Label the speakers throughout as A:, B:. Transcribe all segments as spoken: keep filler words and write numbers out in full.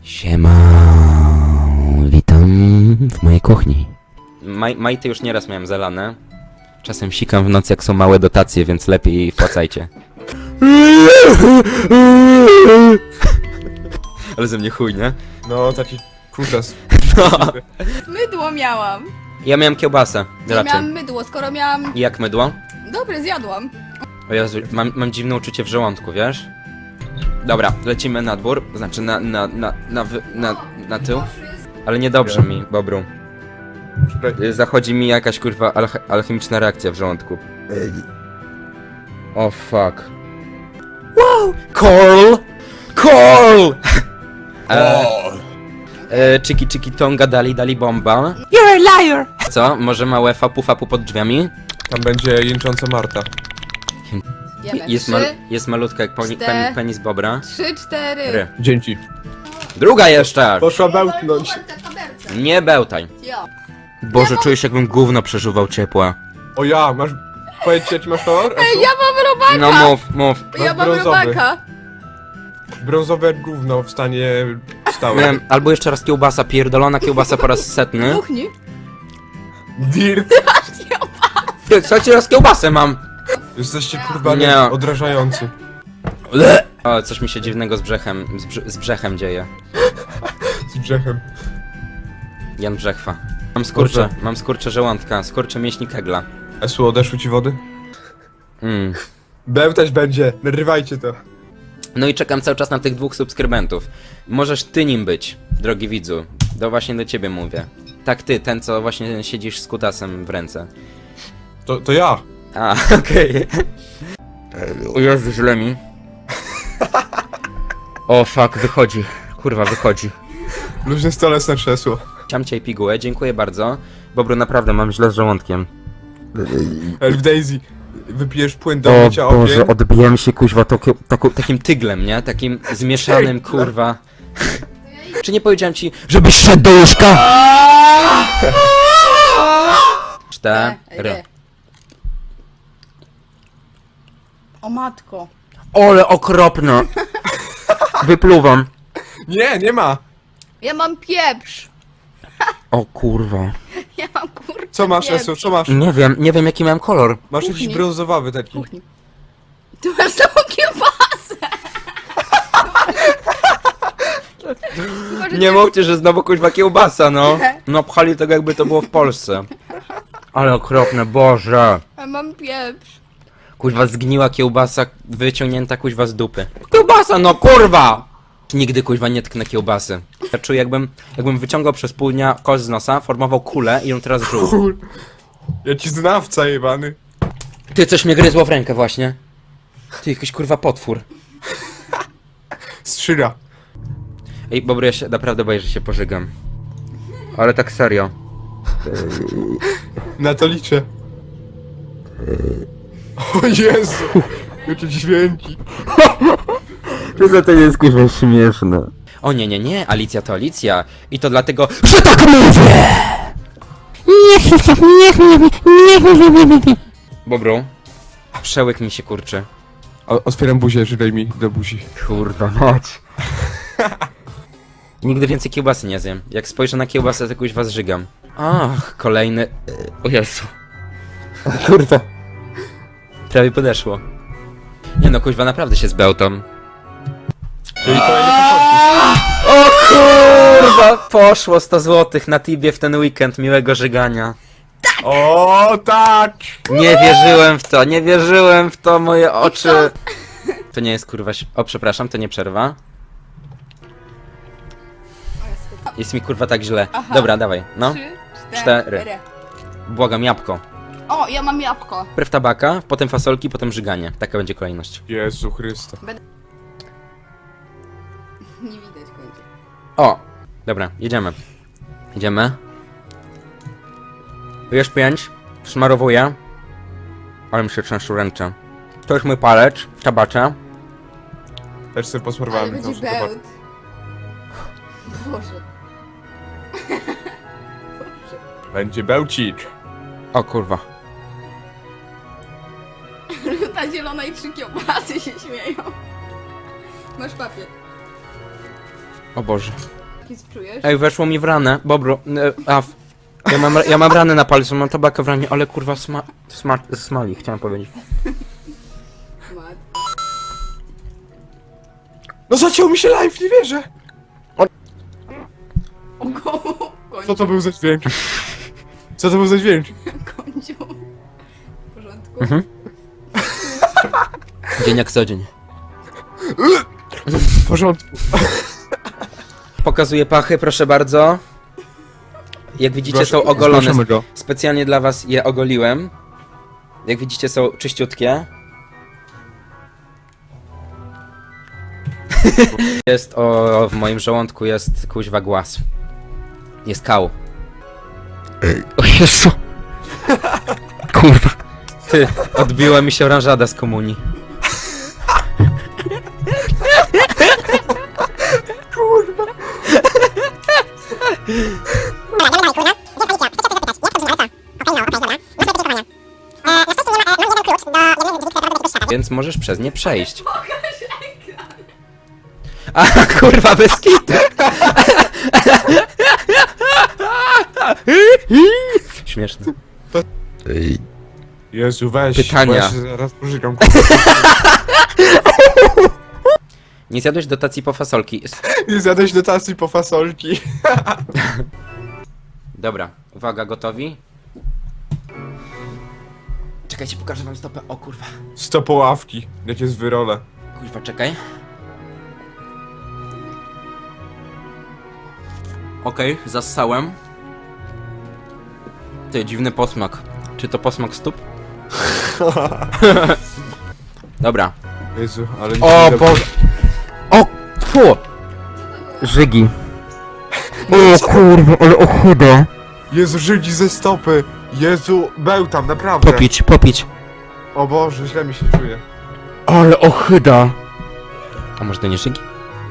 A: Siema, witam w mojej kuchni. Maj, majty już nieraz miałem zalane. Czasem sikam w nocy, jak są małe dotacje, więc lepiej wpłacajcie. Ale ze mnie chuj, nie?
B: No, taki kutas.
A: No.
C: Mydło miałam.
A: Ja miałem kiełbasę,
C: Ja
A: raczej.
C: miałam mydło, skoro miałam...
A: I jak mydło?
C: Dobre, zjadłam.
A: O Jezu, mam, mam dziwne uczucie w żołądku, wiesz? Dobra, lecimy na dwór, znaczy na, na, na, na, wy- na, na tył. Ale niedobrze mi, Bobru. Y, Zachodzi mi jakaś kurwa alche- alchemiczna reakcja w żołądku. O oh, fuck. Wow! Coral! Coral! e, e, Chiki chiki tonga dali dali bomba. You're a liar! Co? Może małe fapu fapu pod drzwiami?
B: Tam będzie jęcząca Marta.
C: Jemy.
A: Jest,
C: Trzy,
A: mal, jest malutka jak poni, pen, penis bobra.
C: trzy, cztery.
A: Ry.
B: Dzięki.
A: Druga jeszcze!
B: Poszła bełtnąć.
A: Nie bełtaj.
C: Ja.
A: Boże, czuję się jakbym gówno przeżuwał ciepła.
B: O ja, masz... Powiedz ci, jaki masz kolor?
C: Ej, ja mam robaka!
A: No mów, mów.
C: Ja mam
B: brązowy.
C: robaka.
B: Brązowe gówno w stanie
A: Nie
B: stałym.
A: wiem, albo jeszcze raz kiełbasa, pierdolona kiełbasa po raz setny.
C: Kuchni.
B: Dirt.
A: Ty, słuchajcie, raz kiełbasę mam.
B: Jesteście kurwa
A: Nie.
B: odrażający.
A: O, coś mi się dziwnego z brzechem, z, brz z brzechem dzieje.
B: Z brzechem.
A: Jan Brzechwa. Mam skurcze,
B: Boże.
A: mam skurcze żołądka, skurcze mięśni kegla.
B: Esu, odeszły ci wody?
A: Mm.
B: Bełtać będzie, narywajcie to.
A: No i czekam cały czas na tych dwóch subskrybentów. Możesz ty nim być, drogi widzu. To właśnie do ciebie mówię. Tak ty, ten co właśnie siedzisz z kutasem w ręce.
B: To, to ja.
A: A, okej. O Jezu, źle mi. O fuck, wychodzi. Kurwa, wychodzi.
B: Luźny stolec na krzesło.
A: Chciałem cię i pigułę, dziękuję bardzo. Bobru, naprawdę mam źle z żołądkiem.
B: Elf Daisy, wypijesz płyn do mycia ogień.
A: odbiłem się kuźwa taką, taką, takim tyglem, nie? Takim zmieszanym, kurwa. Czy nie powiedziałem ci, żebyś szedł do łóżka? Cztery.
C: O matko.
A: Ole okropne. Wypluwam.
B: Nie, nie ma.
C: Ja mam pieprz.
A: O kurwa.
C: Ja mam kurczę
B: Co masz,
C: pieprz.
B: Esu, co masz?
A: Nie wiem, nie wiem jaki miałem kolor.
B: Masz
C: Kuchni.
B: jakiś brązowawy taki.
C: Kuchni. Tu masz całą kiełbasę. Może
A: Nie mówcie, że znowu kuźwa kiełbasa, no. No pchali tego jakby to było w Polsce. Ale okropne, Boże.
C: Ja mam pieprz.
A: Kuźwa zgniła kiełbasa, wyciągnięta kuźwa z dupy. Kiełbasa, no kurwa! Nigdy kuźwa nie tknę kiełbasy. Ja czuję jakbym, jakbym wyciągał przez pół dnia kość z nosa, formował kulę i ją teraz żuł.
B: Kur... Ja ci znawca jebany.
A: Ty, coś mnie gryzło w rękę właśnie. Ty, jakiś kurwa potwór.
B: Strzyra.
A: Ej, Bobry, ja się naprawdę boję, że się pożygam. Ale tak serio.
B: Na to liczę. O Jezu! Jakie dźwięki.
A: To to jest kurwa śmieszne. O nie, nie, nie, Alicja to Alicja. I to dlatego, że tak mówię! Bobru, przełyk mi się kurczy.
B: O, otwieram buzię, żylej mi do buzi.
A: Kurwa mać. Nigdy więcej kiełbasy nie zjem. Jak spojrzę na kiełbasę, to kuźwa zżygam. Ach, kolejny... O Jezu. Kurwa. Prawie podeszło. Nie no, kuźwa, naprawdę się zbełtam.
B: Czyli kolejny pochodzi.
A: O kurwa! Poszło sto złotych na Tibie w ten weekend miłego żygania.
B: O tak!
A: Nie wierzyłem w to, nie wierzyłem w to, moje oczy. To nie jest kurwa... ś- O, przepraszam, to nie przerwa. Jest mi kurwa tak źle.
C: Aha.
A: Dobra, dawaj, no.
C: Trzy,
A: Cztery.
C: cztery.
A: Błagam, jabłko.
C: O, ja mam jabłko.
A: Najpierw tabaka, potem fasolki, potem żyganie. Taka będzie kolejność.
B: Jezu Chryste.
C: Nie widać końca.
A: O! Dobra, jedziemy. Jedziemy. Już pięć. Smarowuję. Ale mi się trzęsą ręce. To jest mój palec, tabacze.
B: Też sobie
C: Ale
B: posmarowałem
C: będzie
B: tą szkodę.
C: bełt. Boże.
B: Będzie bełcik.
A: O kurwa.
C: Ta zielona i trzy kiełbasy się śmieją. Masz papier.
A: O Boże.
C: Jaki czujesz?
A: Ej, weszło mi w ranę. Bobru, e, af. Ja mam, ja mam ranę na palcu, mam tabakę w ranie, ale kurwa sma... sma... smali, chciałem powiedzieć.
C: Mat.
B: No zaciął mi się live, nie wierzę!
C: O go, końcu.
B: Co to był za dźwięk? Co to był za dźwięk?
C: Końcu. W porządku?
A: Mhm. Dzień jak co dzień.
B: W porządku.
A: Pokazuję pachy, proszę bardzo. Jak widzicie,
B: Proszę,
A: są ogolone.
B: zgłaszamy go.
A: Specjalnie dla was je ogoliłem. Jak widzicie, są czyściutkie. Jest o, w moim żołądku jest kuźwa głaz. Jest kał. O Jezu. Kurwa. Ty, odbiła mi się oranżada z komunii. Więc możesz przez nie przejść. A kurwa, bez kitu. Śmieszne.
B: Jezu, weź.
A: Pytania.
B: bo ja się zaraz pożygam.
A: Nie zjadłeś dotacji po fasolki.
B: Nie zjadłeś dotacji po fasolki.
A: Dobra, uwaga, gotowi? Czekajcie, pokażę wam stopę. O kurwa.
B: Sto poławki. Jakie z wyrole.
A: Kurwa, czekaj. Okej, okay, zassałem. Ty, dziwny posmak. Czy to posmak stóp? Dobra.
B: Jezu, ale...
A: O
B: nie-
A: Boże. O, fu. Żygi. O kurwa, ale ochuda.
B: Jezu, Żydzi ze stopy. Jezu, był tam, naprawdę.
A: Popić, popić.
B: O Boże, źle mi się czuje.
A: Ale ochyda. A może to nie żygi?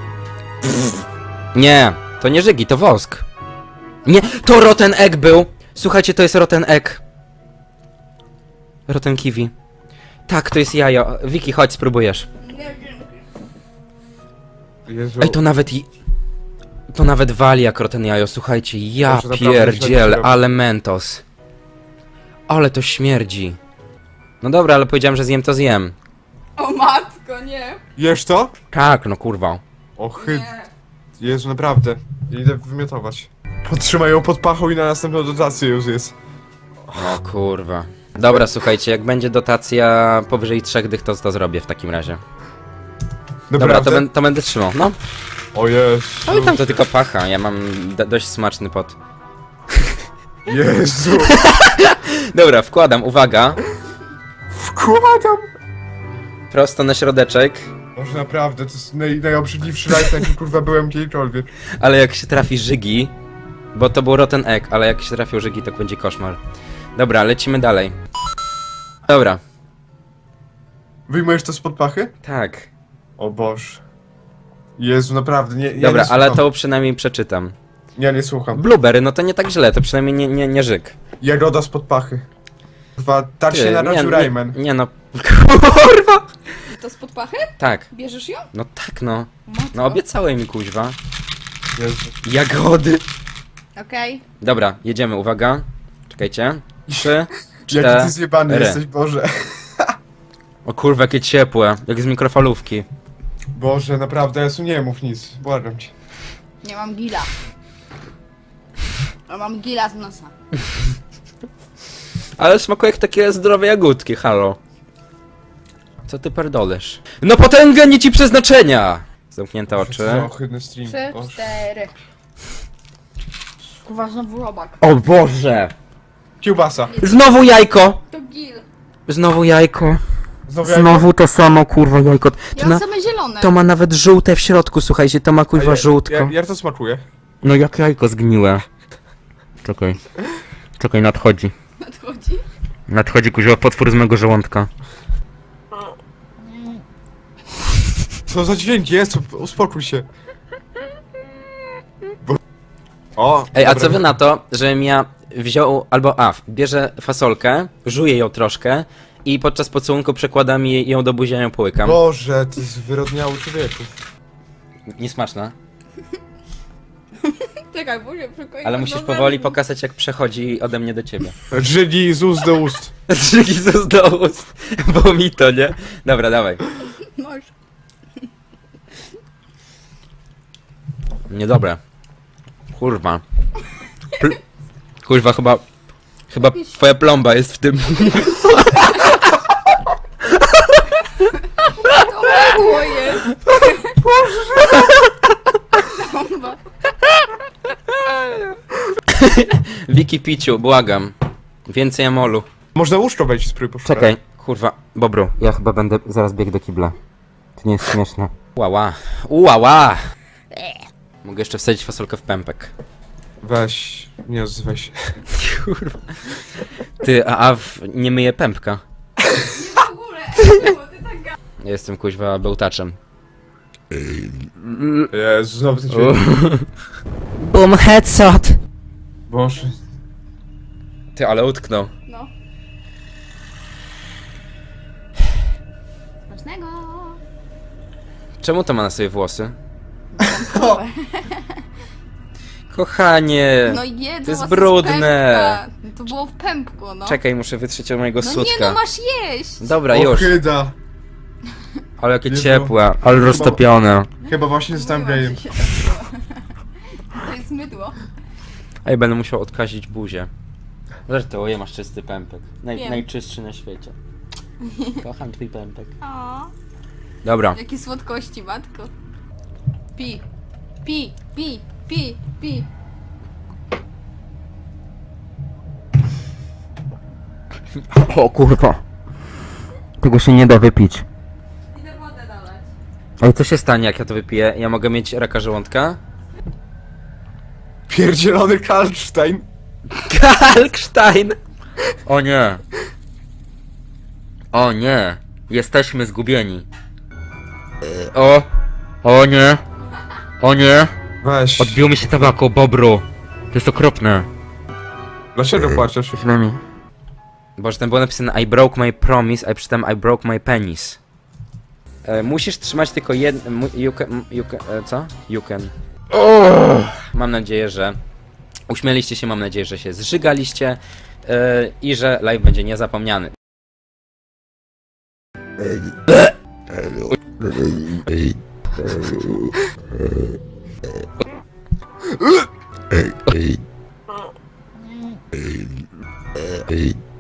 A: Nie, to nie żygi, to wosk. Nie, to rotten egg był. Słuchajcie, to jest rotten egg. Rotten kiwi. Tak, to jest jajo. Wiki, chodź, spróbujesz.
C: Nie, dzięki.
B: Jezu.
A: Ej, to nawet i... To nawet wali jak rotten jajo, słuchajcie. Ja
B: Boże, naprawdę
A: pierdziel,
B: źle to się
A: ale mentos. Ale to śmierdzi. No dobra, ale powiedziałem, że zjem, to zjem.
C: O matko, nie.
B: Jesz to?
A: Tak, no kurwa.
B: O chyd...
C: Nie.
B: Jezu, naprawdę. Idę wymiotować. Podtrzymaj ją pod pachą i na następną dotację już jest.
A: O kurwa. Dobra, słuchajcie, jak będzie dotacja powyżej trzech dych, to to zrobię w takim razie. Dobra,
B: Naprawdę?
A: to, ben, to będę trzymał, no.
B: O Jezu.
A: No i tam to tylko pacha, ja mam do, dość smaczny pot.
B: Jezu.
A: Dobra, wkładam, uwaga.
B: Wkładam.
A: Prosto na środeczek,
B: Może naprawdę, to jest naj, najobrzydliwszy live, jaki kurwa byłem kiedykolwiek.
A: ale jak się trafi żygi, bo to był rotten egg, ale jak się trafią żygi, to będzie koszmar. Dobra, lecimy dalej. Dobra,
B: Wyjmujesz to spod pachy?
A: tak.
B: O Boże. Jezu, naprawdę, nie, ja
A: Dobra,
B: nie
A: ale
B: słucham.
A: to przynajmniej przeczytam.
B: Ja nie słucham.
A: Blueberry, no to nie tak źle, to przynajmniej nie, nie, nie żyg.
B: Jagoda spod pachy. Kurwa, tak się
A: Ty,
B: narodził
A: nie,
B: Rayman.
A: nie, nie no, kurwa.
C: To spod pachy?
A: Tak,
C: Bierzesz ją?
A: no tak no.
C: Matko.
A: No obiecałem mi kuźwa.
B: Jezu.
A: Jagody.
C: Okej.
A: Dobra, jedziemy, uwaga. Czekajcie. Trzy,
B: Jaki ty
A: cztery.
B: zjebany jesteś, Boże.
A: O kurwa, jakie ciepłe, jak z mikrofalówki.
B: Boże, naprawdę, Jezu, nie mów nic. Błagam cię.
C: Nie mam gila. A mam gila z nosa.
A: Ale smakuje jak takie zdrowe jagódki, halo. Co ty perdolesz? No potęgę nie ci przeznaczenia! Zamknięte
B: Co
A: oczy.
B: za ohydny stream.
C: Trzy,
B: Boże.
C: cztery. Kurwa, znowu robak.
A: O Boże!
B: Kiełbasa.
A: Znowu jajko!
C: To gil.
A: Znowu jajko.
B: Znowu jajko?
A: Znowu to samo, kurwa, jajko.
C: Ja
A: To, na,
C: mam same zielone.
A: to ma nawet żółte w środku, słuchajcie, to ma
B: A
A: kurwa
B: ja-
A: żółtko.
B: Jak, jak to smakuje?
A: No jak jajko zgniłe. Czekaj. Czekaj, nadchodzi.
C: Nadchodzi.
A: Nadchodzi kuźwa potwór z mego żołądka.
B: Co za dźwięk jest? Uspokój się. Bo... O,
A: Ej, a
B: dobra.
A: co wy na to, żebym ja wziął, albo a, bierze fasolkę, żuję ją troszkę i podczas pocałunku przekładam jej, ją do buzia i ją połykam.
B: Boże, ty zwyrodniały człowieku.
A: Niesmaczna.
C: Czekaj, muszę przykleić.
A: Ale musisz powoli pokazać, jak przechodzi ode mnie do ciebie.
B: Drzygi z ust do ust.
A: Drzygi z do ust, bo mi to, nie? Dobra, dawaj.
C: Masz.
A: Niedobre. Kurwa. Pl Kurwa, chyba... Chyba twoja plomba jest w tym.
C: To było jest. Bomba.
A: Wiki Piciu, błagam. Więcej amolu.
B: Można łóżko wejść i spróbuj poszukać.
A: Czekaj, kurwa. Bobru, ja chyba będę zaraz biegł do kibla. To nie jest śmieszne. Łała. Ułała. Mogę jeszcze wsadzić fasolkę w pępek.
B: Weź, nie odzywaj się.
A: Kurwa. Ty, a, a w, nie myję pępka.
C: W ogóle, bo ty tak ga...
A: Ja jestem kuźwa bełtaczem.
B: Jezu, znowu ty cię...
A: Boom headshot.
B: Boże.
A: Ty, ale utknął.
C: No. Smacznego.
A: Czemu to ma na sobie włosy? Kochanie.
C: No jedzą
A: to jest
C: was
A: brudne.
C: z pępka. To było w pępku, no.
A: Czekaj, muszę wytrzeć od mojego
C: No
A: sutka.
C: nie, no masz jeść.
A: Dobra, już.
B: Ochyda.
A: Ale jakie
B: Jezu.
A: ciepłe, ale roztopione.
B: Chyba właśnie zostałem
C: Mówiłam,
B: gejem.
C: że się tak było. To jest mydło.
A: Ej, będę musiał odkazić buzię. Żartuję, masz czysty pępek. Naj,
C: Wiem.
A: najczystszy na świecie. Kocham twój pępek.
C: O,
A: Dobra.
C: jakie słodkości, matko. Pi, pi, pi, pi, pi.
A: O kurwa. Tego się nie da wypić.
C: Idę wodę dalej.
A: Ej, co się stanie, jak ja to wypiję? Ja mogę mieć raka żołądka?
B: Pierdzielony Kalkstein.
A: Kalkstein! O nie. O nie. Jesteśmy zgubieni. O. O nie. O nie.
B: Weź.
A: Odbiło mi się tabako, Bobru. To jest okropne.
B: Dlaczego płaczesz?
A: Źle mi. Boże, tam było napisane I broke my promise, a przytem I broke my penis. E, musisz trzymać tylko jedno... You can... You can e, co? You can. Oh! Mam nadzieję, że... Uśmieliście się, mam nadzieję, że się zżygaliście. E, I że live będzie niezapomniany.
D: Hey.